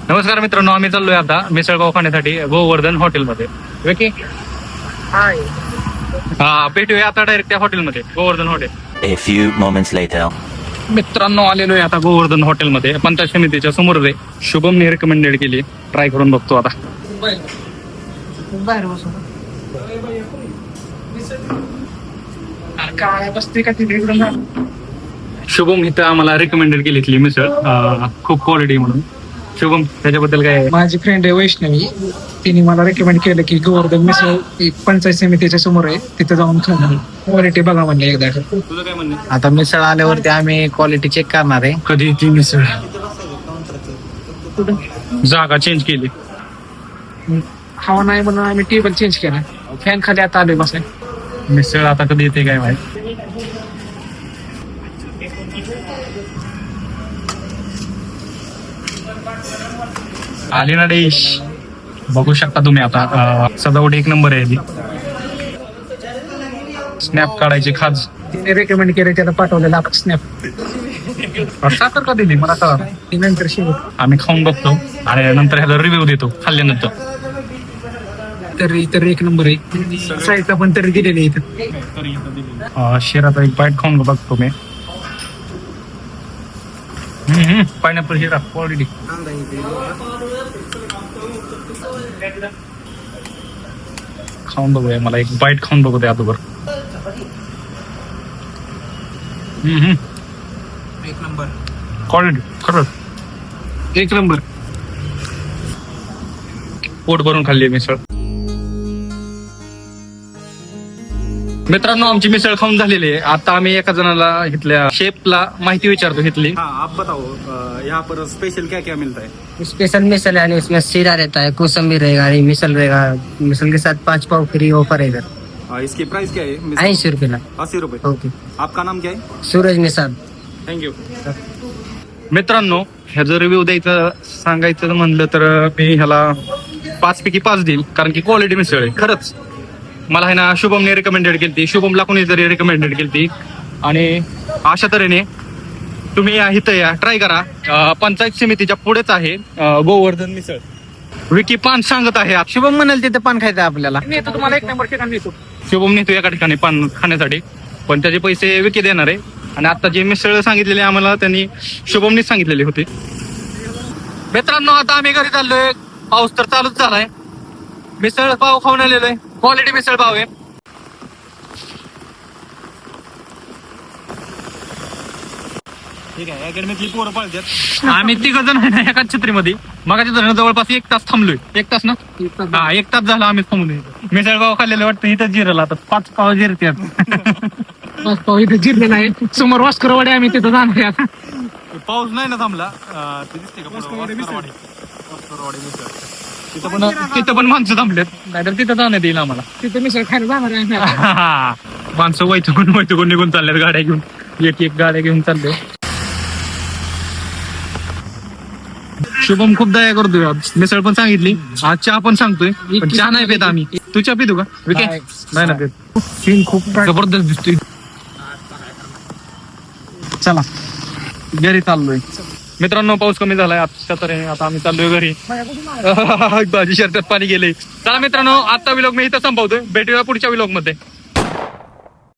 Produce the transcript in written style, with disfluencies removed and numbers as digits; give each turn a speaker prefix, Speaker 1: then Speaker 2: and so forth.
Speaker 1: नमस्कार मित्रांनो, आम्ही चाललोय आता मिसळपाव खाण्यासाठी गोवर्धन हॉटेलमध्ये. ओके, हा भेटूया आता डायरेक्ट त्या हॉटेलमध्ये, Govardhan hotel.
Speaker 2: A few moments later.
Speaker 1: मित्रांनो आलेलो आहे आता गोवर्धन हॉटेलमध्ये. पंचायत समितीच्या समोर रे शुभमने रिकमेंडेड केली, ट्राय करून बघतो आता. शुभम इथं आम्हाला रिकमेंडेड केली इथली मिसळ, खूप क्वालिटी म्हणून. शुभम, त्याच्याबद्दल काय आहे?
Speaker 3: माझी फ्रेंड आहे वैष्णवी, तिने मला रेकमेंड केलं की गोवर्धन मिसळ एक पंचायत समितीच्या समोर आहे, तिथे जाऊन खाणं क्वालिटी बघा म्हणले एकदा.
Speaker 1: तुझं काय म्हणणं?
Speaker 4: आता मिसळ आल्यावरती आम्ही क्वालिटी चेक करणार आहे.
Speaker 1: कधी ती मिसळ जागा चेंज केली.
Speaker 3: हवा नाही म्हणून आम्ही टेबल चेंज केला, फॅन खाली आता आलोय बसाय.
Speaker 1: मिसळ आता कधी येते काय माहिती. आली ना डिश, बघू शकता तुम्ही आता. सजावट एक नंबर आहे ती. स्नॅप काढायची खाज.
Speaker 3: तिने रेकमेंड केलं, त्याला पाठवलेला आपण स्नॅप.
Speaker 1: साखर का दिली मला कळा.
Speaker 3: ती नंतर शेवट
Speaker 1: आम्ही खाऊन बघतो आणि नंतर ह्याला रिव्ह्यू देतो खाल्ल्यानंतर.
Speaker 3: तरी तर एक नंबर आहे. साईडला पण तरी दिलेली इथं.
Speaker 1: शिराचा एक बाईट खाऊन बघतो मी. पायनॅपल शिरा क्वालिटी. खाऊन बघूया, मला एक बाईट खाऊन बघू दे अगोदर.
Speaker 3: एक नंबर
Speaker 1: क्वालिटी खरंच
Speaker 3: एक नंबर.
Speaker 1: पोट भरून खाल्ली मिसळ. मित्रांनो, आमची मिसळ खाऊन झालेली आहे. आता आम्ही एका जणाला इथल्या शेफला माहिती विचारतो इथली.
Speaker 5: हाँ, आप बताओ यहाँ पर स्पेशल क्या क्या मिलता है?
Speaker 4: स्पेशल मिसल है, उसमें सीरा रहता है, कोसम्बी रहेगा, ये मिसल रहेगा. मिसल के साथ 5 पाव फ्री ऑफर है इधर.
Speaker 5: इसकी प्राइस क्या है?
Speaker 4: 80 रुपये.
Speaker 5: 80 रुपए.
Speaker 4: ओके.
Speaker 5: आपका नाम क्या है?
Speaker 4: सूरज निसाद.
Speaker 5: Thank you.
Speaker 1: मित्रांनो, ह्याचं रिव्ह्यू द्यायचं सांगायचं म्हणलं तर मी ह्याला 5 पैकी 5 देईल, कारण की क्वालिटी मिसळ आहे खरंच. मला आहे ना शुभमने रिकमेंडेड केली, शुभमला कोणी तरी रिकमेंडेड केली. आणि अशा तऱ्हेने तुम्ही इथं या, ट्राय करा. पंचायत समितीच्या पुढेच आहे गोवर्धन मिसळ. विकी पान सांगत आहे.
Speaker 4: शुभम म्हणाल तिथे पान खायचं आपल्याला.
Speaker 3: नेतो तुम्हाला एक नंबर ठिकाण नेतो.
Speaker 1: शुभम नेतो एका ठिकाणी पान खाण्यासाठी, पण त्याचे पैसे विकी देणार आहे. आणि आता जे मिसळ सांगितलेले आम्हाला त्यांनी शुभमनीच सांगितलेली होती. मित्रांनो, आता आम्ही घरी चाललोय. पाऊस तर चालूच झालाय. मिसळ पाव खाऊन आलेलो आहे. क्वालिटी मिसळ पाव आहे.
Speaker 5: ठीक आहे, अकॅडमीतली पोरं पाळतात.
Speaker 1: आम्ही 3 जण आहे ना एकाच छत्रीमध्ये. मगाच्या जण जवळपास 1 तास थांबलोय. 1 तास ना, हा 1 तास झाला आम्ही थांबलोय. मिसळ पाव खाल्लेलं वाटतं इथं जिरला. आता 5 पाव जिरतात.
Speaker 3: 5 पाव इथे जिरलेला आहे. समोर वास्करवाडी, आम्ही तिथं जाणार आहे आता.
Speaker 5: पाऊस नाही ना थांबला. ते दिसते का पुढं? वास्करवाडी मिसळ.
Speaker 1: तिथं पण माणसं थांबलेत, नाहीतर तिथं जाण्यात येईल आम्हाला.
Speaker 3: तिथं मिसळ खायला जाणार आहे आम्ही.
Speaker 1: माणसं वैतकून निघून चालल्यात गाड्या घेऊन. एक गाड्या घेऊन चालले. शुभम खूप दया करतोय. मिसळ पण सांगितली, आज चहा पण सांगतोय, पण चहा नाही पेत आम्ही. तू चहा पितो का विके? नाही ना पेत.
Speaker 3: सीन खूप
Speaker 1: जबरदस्त दिसतोय. चला घरी चाललोय. मित्रांनो, पाऊस कमी झालाय आता, तर आता आम्ही चाललोय घरी. माझी शर्टात पाणी गेले. चला मित्रांनो, आता व्लॉग मी इथं संपवतोय. भेटूया पुढच्या व्लॉग मध्ये.